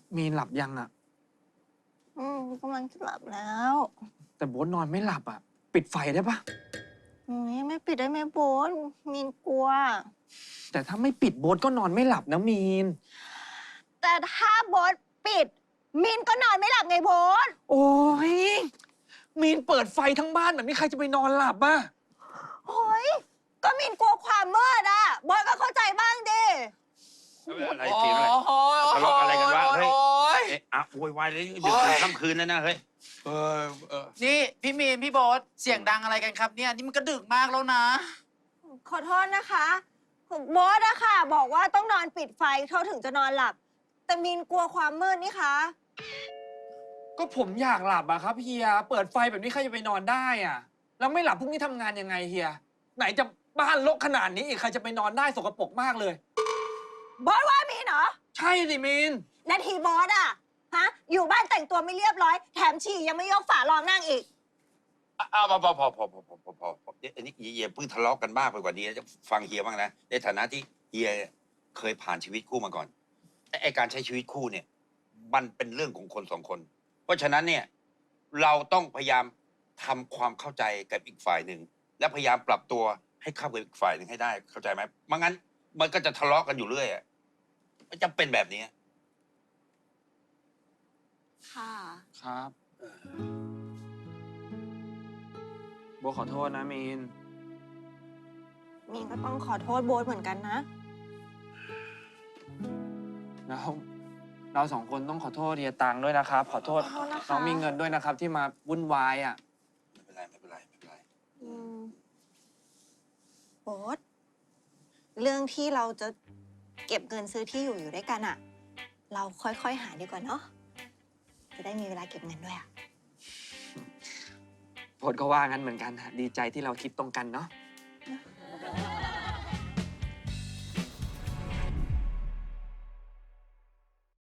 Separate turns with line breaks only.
มีนหลับยังอะ
กำลังจะหลับแล้ว
แต่โบ๊ทนอนไม่หลับอะปิดไฟได้ปะ
ไม่ปิดได้ไหมโบ๊ทมีนกลัว
แต่ถ้าไม่ปิดโบ๊ทก็นอนไม่หลับนะมีน
แต่ถ้าโบ๊ทปิดมีนก็นอนไม่หลับไงโบ๊ท
โอ้ยมีนเปิดไฟทั้งบ้านแบบนี้ใครจะไปนอนหลับอะ
โอ้ยก็มีนกลัวความมืดอะโบ๊ทก็เข้าใจบ้างดิ
อะไรเสียงอะไรทะเลาะอะไรกันวะเฮ้ยเอ๊ะอะโวยวายเลยดึกดื่นค่ำคืนแล้วนะเฮ้ย
นี่พี่มีนพี่โบ๊ทเสียงดังอะไรกันครับเนี่ยนี่มันก็ดึกมากแล้วนะ
ขอโทษนะคะโบ๊ทอะค่ะ บอกว่าต้องนอนปิดไฟเขาถึงจะนอนหลับ แต่มีนกลัวความมืดนี่คะ
ก็ผมอยากหลับอะครับเฮียเปิดไฟแบบนี้ใครจะไปนอนได้อะแล้วไม่หลับพรุ่งนี้ทำงานยังไงเฮียไหนจะบ้านรกขนาดนี้อีกใครจะไปนอนได้สกปรกมากเลย
โบ๊ทว่ามีนเหรอ
ใช่สิมีน
นาทีโบ๊ทอะฮะอยู่บ้านแต่งตัวไม่เรียบร้อยแถมฉี่ยังไม่ยกฝารองนั่งอีก
อ้าวพอเดี๋ยวอันนี้เฮียเพิ่งทะเลาะกันมากไปกว่านี้จะฟังเฮียบ้างนะในฐานะที่เฮียเคยผ่านชีวิตคู่มาก่อนไอ้การใช้ชีวิตคู่เนี่ยมันเป็นเรื่องของคนสองคน เพราะฉะนั้นเนี่ยเราต้องพยายามทำความเข้าใจกับอีกฝ่ายหนึ่งและพยายามปรับตัวให้เข้ากับอีกฝ่ายหนึ่งให้ได้เข้าใจไหมไม่งั้นมันก็จะทะเลาะกันอยู่เรื่อยอ่ะมันจะเป็นแบบนี้
ค่ะ
ครับโบขอโทษนะมีน
มีนก็ต้องขอโทษโบ๊ทเหมือนกันนะ
แล้วเราสองคนต้องขอโทษเฮียตังด้วยนะครับ ขอโทษ
ขอโทษนะคะ
น้องมีเงินด้วยนะครับ ที่มาวุ่นวายอ่ะ
ไม่เป็นไร
อืมโบ๊ทเรื่องที่เราจะเก็บเงินซื้อที่อยู่ด้วยกันอะเราค่อยๆหาดีกว่าเนาะจะได้มีเวลาเก็บเงินด้วยอะ
โพดก็ว่างั้นเหมือนกันฮะดีใจที่เราคิดตรงกันเนาะ